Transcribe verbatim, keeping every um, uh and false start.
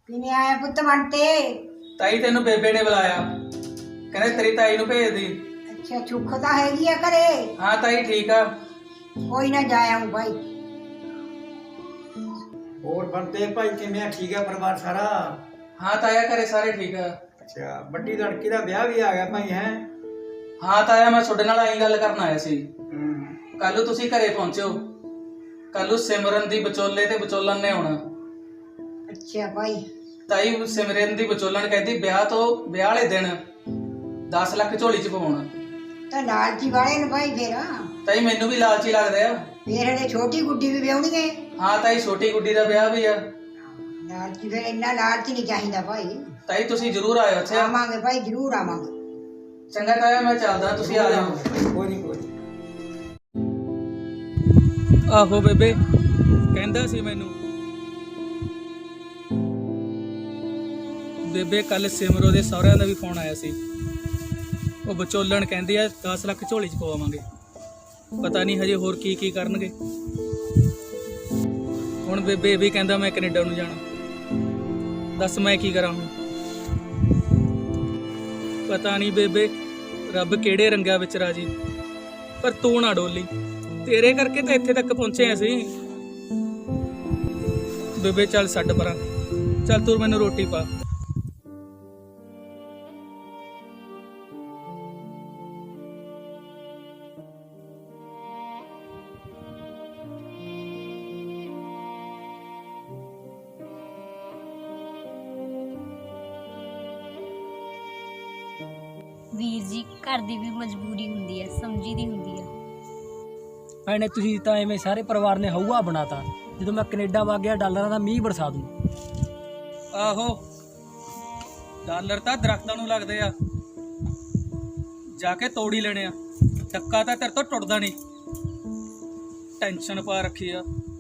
ਕਿਵੇਂ ਆਇਆ ਪੁੱਤ ਬੰਤੇ? ਤਾਈ ਤੈਨੂੰ ਬੇਬੇ ਨੇ ਬੁਲਾਇਆ, ਕਹਿੰਦੇ ਤੇਰੀ ਤਾਈ ਨੂੰ ਭੇਜ ਦੀ। ਅੱਛਾ ਸੁੱਖ ਤਾਂ ਹੈਗੀ ਆ ਘਰੇ? ਹਾਂ ਤਾਈ ਠੀਕ ਆ। ਕੋਈ ਨਾ ਜਾ ਆਊਂ ਭਾਈ। ਹੋਰ ਬੰਤੇ ਭਾਈ ਕਿਵੇਂ ਆ? ਠੀਕ ਆ ਪਰਿਵਾਰ ਸਾਰਾ? ਹਾਂ ਤਾਇਆ ਘਰੇ ਸਾਰੇ ਠੀਕ ਆ। ਅੱਛਾ ਵੱਡੀ ਲੜਕੀ ਦਾ ਵਿਆਹ ਵੀ ਆ ਗਿਆ ਭਾਈ ਹੈ? ਹਾਂ ਤਾਇਆ ਮੈਂ ਤੁਹਾਡੇ ਨਾਲ ਆਈ ਗੱਲ ਕਰਨ ਆਇਆ ਸੀ। ਹੂੰ। ਕੱਲ ਨੂੰ ਤੁਸੀਂ ਘਰੇ ਪਹੁੰਚਿਓ। ਕੱਲ ਨੂੰ ਸਿਮਰਨ ਦੀ ਵਿਚੋਲੇ ਤੇ ਵਿਚੋਲਨ ਨੇ ਆਉਣਾ। ਅੱਛਾ ਭਾਈ। ਤਾਈ ਸਿਮਰਨ ਦੀ ਵਿਚੋਲਨ ਕਹਿੰਦੀ ਵਿਆਹ ਤੋਂ ਵਿਆਹ ਵਾਲੇ ਦਿਨ ਦਸ ਲੱਖ ਝੋਲੀ ਚ ਪਵਾਉਣਾ। ਤਾਂ ਲਾਲਚੀ ਵਾਲੇ ਨੇ ਭਾਈ ਫੇਰ। ਤਾਈ ਮੈਨੂੰ ਵੀ ਲਾਲਚੀ ਲੱਗਦੇ ਆ। ਫੇਰ ਹਲੇ ਛੋਟੀ ਗੁੱਡੀ ਵੀ ਵਿਆਹਣੀ ਹੈ। ਹਾਂ ਤਾਈ ਛੋਟੀ ਗੁੱਡੀ ਦਾ ਵਿਆਹ ਵੀ ਆ। ਲਾਲਚੀ ਫੇਰ ਇੰਨਾ ਲਾਲਚ ਨਹੀਂ ਚਾਹੀਦਾ ਭਾਈ। ਤਾਈ ਤੁਸੀਂ ਜ਼ਰੂਰ ਆਇਓ ਇੱਥੇ। ਆਵਾਂਗੇ ਭਾਈ ਜ਼ਰੂਰ ਆਵਾਂਗੇ। ਚੰਗਾ ਤਾਇਆ ਮੈਂ ਚੱਲਦਾ, ਤੁਸੀਂ ਆ ਜਾਓ। ਕੋਈ ਨਹੀਂ ਕੋਈ ਨੀ। ਆਹੋ ਬੇਬੇ ਕਹਿੰਦਾ ਸੀ ਮੈਨੂੰ। ਬੇਬੇ ਕੱਲ ਸਿਮਰੋ ਦੇ ਸਹੁਰਿਆਂ ਦਾ ਵੀ ਫੋਨ ਆਇਆ ਸੀ। ਉਹ ਵਿਚੋਲਣ ਕਹਿੰਦੀ ਆ ਦਸ ਲੱਖ ਝੋਲੀ ਚ ਪਵਾਵਾਂਗੇ। ਪਤਾ ਨਹੀਂ ਹਜੇ ਹੋਰ ਕੀ ਕੀ ਕਰਨਗੇ। ਹੁਣ ਬੇਬੇ ਵੀ ਕਹਿੰਦਾ ਮੈਂ ਕੈਨੇਡਾ ਨੂੰ ਜਾਣਾ। ਦੱਸ ਮੈਂ ਕੀ ਕਰਾਂ ਹੁਣ? ਪਤਾ ਨਹੀਂ ਬੇਬੇ ਰੱਬ ਕਿਹੜੇ ਰੰਗਾਂ ਵਿੱਚ ਰਾਜੀ, ਪਰ ਤੂੰ ਨਾ ਡੋਲੀ। ਤੇਰੇ ਕਰਕੇ ਤਾਂ ਇੱਥੇ ਤੱਕ ਪਹੁੰਚੇ ਅਸੀਂ। ਬੇਬੇ ਚੱਲ ਛੱਡ ਪਰਾਂ, ਚੱਲ ਤੂੰ ਮੈਨੂੰ ਰੋਟੀ ਪਾ। ਵੀਰ ਜੀ ਘਰ ਦੀ ਵੀ ਮਜਬੂਰੀ ਹੁੰਦੀ ਹੈ, ਸਮਝੀ ਦੀ ਹੁੰਦੀ ਹੈ। ਭੈਣੇ ਤੁਸੀਂ ਤਾਂ ਐਵੇਂ ਸਾਰੇ ਪਰਿਵਾਰ ਨੇ ਹਊਆ ਬਣਾਤਾ। ਜਦੋਂ ਮੈਂ ਕੈਨੇਡਾ ਵਗ ਗਿਆ ਡਾਲਰਾਂ ਦਾ ਮੀਂਹ ਬਰਸਾ ਦੂੰ। ਆਹੋ ਡਾਲਰ ਤਾਂ ਦਰਖਤਾਂ ਨੂੰ ਲੱਗਦੇ ਆ, ਜਾ ਕੇ ਤੋੜ ਹੀ ਲੈਣੇ ਆ। ਟੱਕਾ ਤਾਂ ਤੇਰੇ ਤੋਂ ਟੁੱਟਦਾ ਨਹੀਂ। ਟੈਨਸ਼ਨ ਪਾ ਰੱਖੀ ਆ।